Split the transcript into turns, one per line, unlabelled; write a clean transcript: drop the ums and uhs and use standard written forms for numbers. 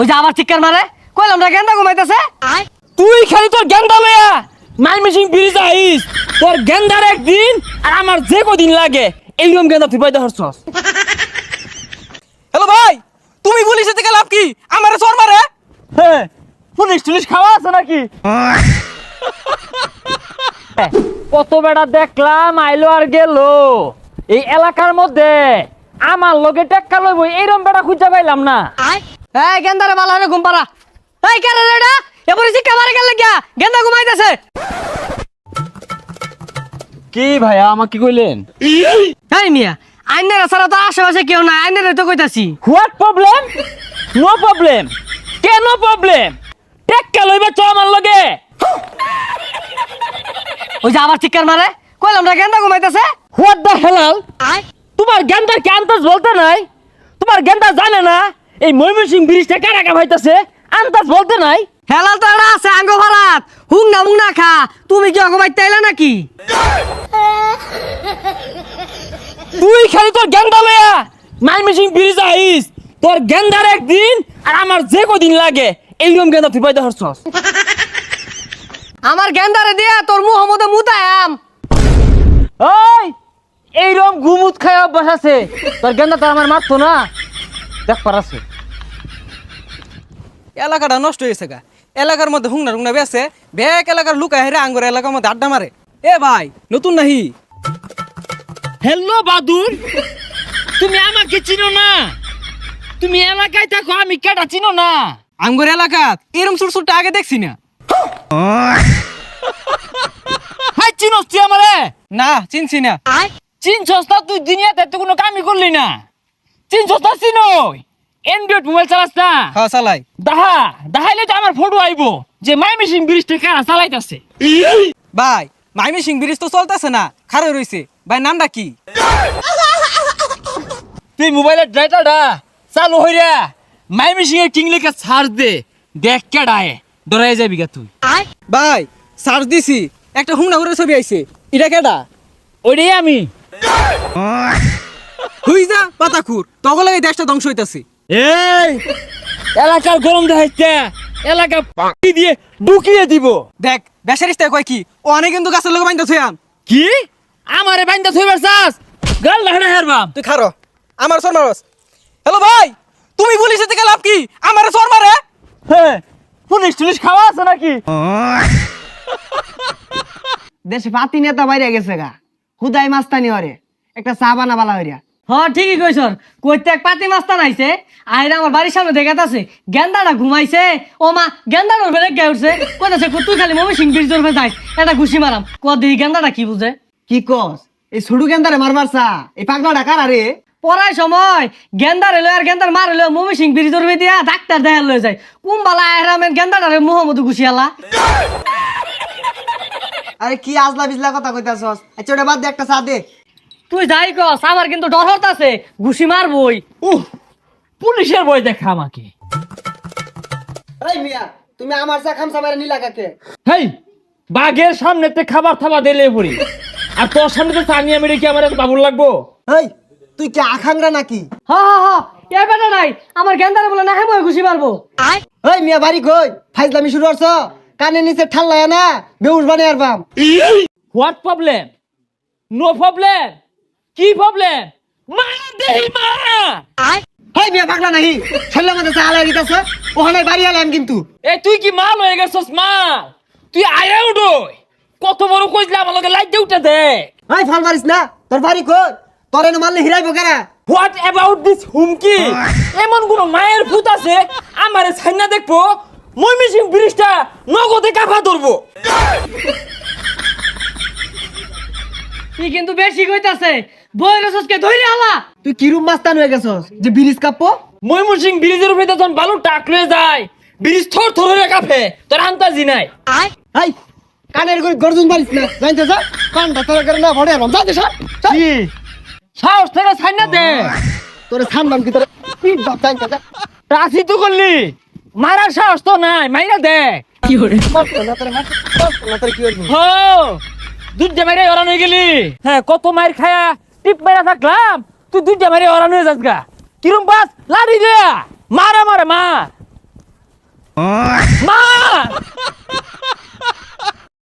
ওই যে আবার চিৎকার মারে কইলাম না গেন্দা ঘুমাইতেছে।
তুই খালি তোর গেন্দা লয়া মাইমিসিং ব্রিজ আইস, তোর গেন্দার একদিন আর আমার যে কদিন লাগে এইরকম গেন্দা তুই পাইতে হরছস।
হ্যালো ভাই, তুমি পুলিশের থেকে লাভ কি? আমারে চোর মারে।
হ্যাঁ, পুলিশ টুলিশ খাওয়া আছে নাকি? কত বেড়া দেখলাম আইলো আর গেল, এই এলাকার মধ্যে আমার লগে টেক্কা লইব এইরকম বেড়া খুঁজে পাইলাম না।
এই গেন্দারে ভালো হবে ঘুম পাড়া। এই কেন রে এটা এবারে চিৎকার মারে গেল গিয়া গেন্দা ঘুমাইতেছে।
কি ভাইয়া আমাকে কইলেন?
এই মিয়া আইনের ছাড়া তো আশেপাশে কেউ নাই, আইনের তো কইতাছি।
What problem? No problem. কেন প্রবলেম? টেক্কা লইবা তো আমার লগে।
ওই যে আবার চিৎকার মারে কইলাম না গেন্দা ঘুমাইতেছে।
What the hell? তোমার গেন্দার কি আন্দাজ বলতে নাই? তোমার গেন্দা জানে না এই ময়মনসিংহ ব্রিজটা কারা কা হইতাছে? আন্দাজ বলতে নাই?
হেলাল তো এটা আছে আঙ্গ ভাড়াত হুং না খা। তুমি কি ঘুমাইতে আইলা নাকি?
তুই খালি তোর গেন্দা লয়া ময়মনসিংহ ব্রিজ আইস, তোর গেন্দার একদিন আর আমার যে কদিন লাগে এইরকম গেন্দা তুই পাইতে হরছস।
আমার গেন্দারে দিয়া তোর মুহ মধ্যে মুতায়াম।
ওই এইরকম গুমুত খায় অভ্যাস আছে, তোর গেন্দা তো আমার মারতো না, দেখ পারাছে।
এলাকাটা নষ্ট হয়েছে গা। এলাকার মধ্যে হুংনা বেছে ব্যাক এলাকার লুকায় হেরে আঙ্গুর এলাকার মধ্যে আড্ডা মারে। এ ভাই নতুন নাহি?
হ্যালো বাদুর, তুমি আমাকে চিনো না? তুমি এলাকায় থাকো, আমি কেটা চিনো না?
আঙ্গুর এলাকা এরম সুরসুরটা আগে দেখছি না।
হাই চিনোস তুই আমারে?
না চিনছি না।
চিনছস না? তুই দুনিয়াতে তো কোনো কামই করলি না। চিনছস না? চিনই অ্যান্ড্রয়েড মোবাইল চালাস না?
হ্যাঁ চালাই।
দেখাইলে তো আমার ফটো আইবো যে ময়মনসিংহ ব্রিজটা কারা চালাইতাছে।
ভাই ময়মনসিংহ ব্রিজ তো চলতেছে না, খারে রইছে। ভাই নামটা কি?
তুই মোবাইলের ড্রাইটারটা চালু হইরা ময়মনসিংহের কিং লেখা সার্চ দে, দেখ কেডায় ডরাই যাবি গা তুই।
ভাই সার্চ দিছি, একটা হুংনা করে ছবি আইছে। এটা কেডা?
ওইটাই আমি।
হুই যা পাতাকুর, তখন এই দেশটা ধ্বংস হইতাছে।
এই এলাকার গরম দেখাইছে, এলাকা পাকি দিয়ে ঢুকিয়ে দিব।
দেখ বেসারিস্তা কয় কি, ও অনেক কিন্তু গাছের লোক বাইন্দা থইয়াম।
কি আমারে বাইন্দা থইবার চাস? গাল লাহনা হেরবাম।
তুই খারো, আমার চোর মারস। হ্যালো ভাই, তুমি পুলিশের থেকে লাভ কি? আমারে চোর মারে।
হ্যাঁ, পুলিশ টুলিশ খাওয়া আছে নাকি?
দেশে পাতি নেতা বাইরে গেছে গা, হুদাই মাস্তানি হরে একটা চা বানা বালা হইরা। হ্যাঁ ঠিকই কইছ, কইতে এক পাতি মাস্তান আইছে আইরা আমার বাড়ির সামনে দেখাতাছে গেন্দাটা ঘুমাইছে। ও মা গেন্দাটা বেড়ে গে উঠছে, কইতাছে তুই খালি ময়মনসিংহ ব্রিজ ধরে যাইস এটা ঘুষি মারাম। দেখি গেন্দাটা কি বুঝে।
কি কস? এই ছোট গেন্দারে মারবার চা এই পাগলাটা কার আরে?
পড়ার সময় গেন্দার এলো আর গেন্দার মার এলো ময়মনসিংহ ব্রিজ ধরে দিয়া ডাক্তার দেখা লয়ে যায়। কুম্বালা আহরামের গেন্দাটারে মোহাম্মদ ঘুষি আলা।
আরে কি আজলা বিজলা কথা কইতাছস? আচ্ছা ওটা বাদ দে, একটা চা দে।
তুই যাই কস আমার কিন্তু ডর হতাছে, ঘুষি মারবই।
পুলিশের বই দেখা আমাকে।
এই মিয়া, তুমি আমার চা খামসা মারে নিলা কাকে?
হেই, বাঘের সামনেতে খাবার থাবা দিলে পড়ি, আর তোর সামনে তো সানিয়া মেরে কি আমার এত বাবুর লাগবো?
এই তুই কি আখাংরা নাকি?
হা হা হা এ বেটা নাই আমার গেন্দারে বলে না হেময় ঘুষি মারবো।
এই মিয়া বাড়ি কই? ফাইজলামি শুরু করছ? কানে নিচে ঠাল্লায় না বেউস বানিয়ে আরবাম।
What problem? No problem. কি প্রবলেম? মা দেহি মা।
এই মিয়া পাগলা নাহি, ছেলে মধ্যে চা আলাই দিতাছ, ওখানে বাড়ি আলাম কিন্তু।
এ তুই কি মাল হয়ে গেছস মাল? তুই আইরা উঠোই, কত বড় কইলে আমার লগে লাইট দিয়ে উঠে দে।
এই ফল মারিস না, তোর বাড়ি কই? তোর এনে মারলে হিরাইব কেরা?
হোয়াট অ্যাবাউট দিস হুমকি? এমন কোন মায়ের ভূত আছে আমারে ছাইনা দেখবো ময়মনসিংহ ব্রিজটা নগদে কাফা ধরবো?
তুই কিন্তু বেশি কইতাছে, বইরে সসকে ধইরে আলা।
তুই কিরুম মাস্তান হয়ে গেছস যে ব্রিজ কাঁপবো?
ময়মনসিংহ ব্রিজের উপরে যখন বালু টাক লয়ে যায়, ব্রিজ থর থর হয়ে কাঁপে, তোর আন্তাজি নাই।
এই কানের গর্জন মারিস না, জানতে যা কানটা তোর করে না ভরে আরবাম। যা দে সর।
কি সাহস থেকে ছাইনা দে?
তোরে সামলাম কি তোরে পিট বাপ জানতে যা।
রাশি তো করলি, মারার সাহস তো নাই, মাইরা দে।
কি করে
মারতো না তোরে, মারতো না তোরে কি করবি?
হো দুধে মেরে ওরান হয়ে গেলি। হ্যাঁ, কত মাইর খায়া টিপ মেরা থাকলাম, তুই দুধে মেরে ওরান হয়ে যাস গা। কিরম বাস লাড়ি দে, মারা মারে মা।